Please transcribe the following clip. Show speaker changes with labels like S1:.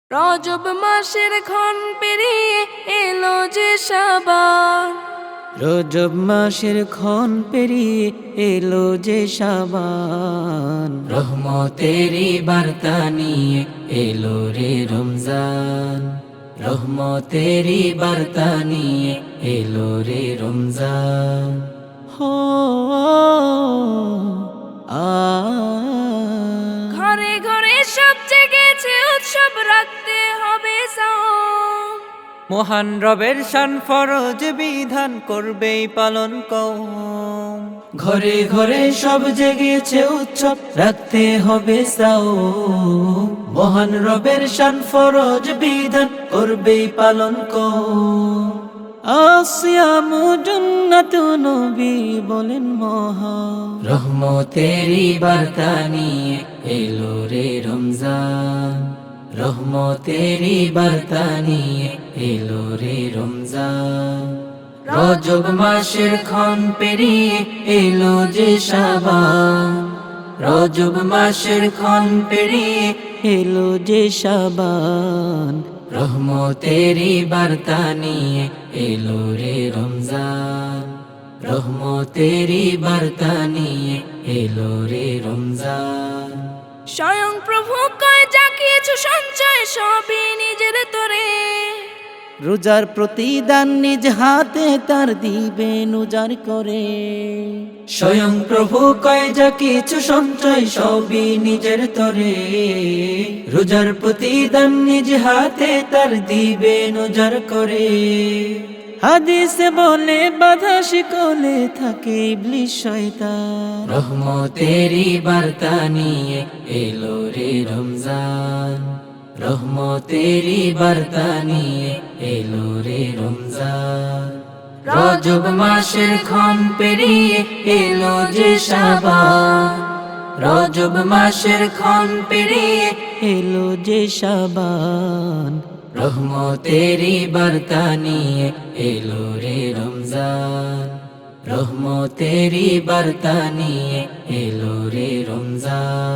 S1: রজব মাসের ক্ষণ পেরিয়ে এলো যে শাবান।
S2: রজব মাসের ক্ষণ পেরিয়ে এলো যে শাবান। রহমতেরই বার্তা নিয়ে এলো রে রমজান। রহমতেরই বার্তা নিয়ে এলো রে রমজান। হো আ
S1: ঘরে ঘরে সব জেগেছে উৎসব, রাখতে হবে সাওম।
S2: মহান রবের শান ফরজ বিধান করবেই পালন কওম। ঘরে ঘরে সব জেগেছে উৎসব, রাখতে হবে সাওম। মহান রবের শান ফরজ বিধান করবেই পালন কওম। আসিয়ামু জান্নাতু নবী বলেন মহা। রহমতেরই বার্তা নিয়ে এলো রে রমজান। রহমতেরই বার্তা নিয়ে এলো রে রমজান। রজব মাসের ক্ষণ পেরিয়ে এলো যে শাবান। রজব মাসের ক্ষণ পেরিয়ে এলো যে শাবান। রহমতেরই বার্তা নিয়ে এলো রে রমজান। রহমতেরই বার্তা নিয়ে এলো রে রমজান।
S1: স্বয়ং প্রভু কয় যা কিছু সঞ্চয় সবই নিজের তোরে।
S2: রোজার প্রতিদান নিজ হাতে তার দিবেন উজাড় করে। স্বয়ং প্রভু কয় যা কিছু সঞ্চয় সবই নিজের তরে। রোজার প্রতিদান নিজ হাতে তার দিবেন উজাড় করে। হাদিসে বলে বাধা শিকলে থাকে ইবলিস শয়তান। রহমতেরই বার্তা নিয়ে এলো রে রমজান। রহমতেরই বার্তা নিয়ে এলো রে রমজান। রজব মাসের ক্ষণ পেরিয়ে এলো যে শাবান। রজব মাসের ক্ষণ পেরিয়ে এলো যে শাবান। রহমতেরই বার্তা নিয়ে এলো রে রমজান। রহমতেরই বার্তা নিয়ে এলো রে রমজান।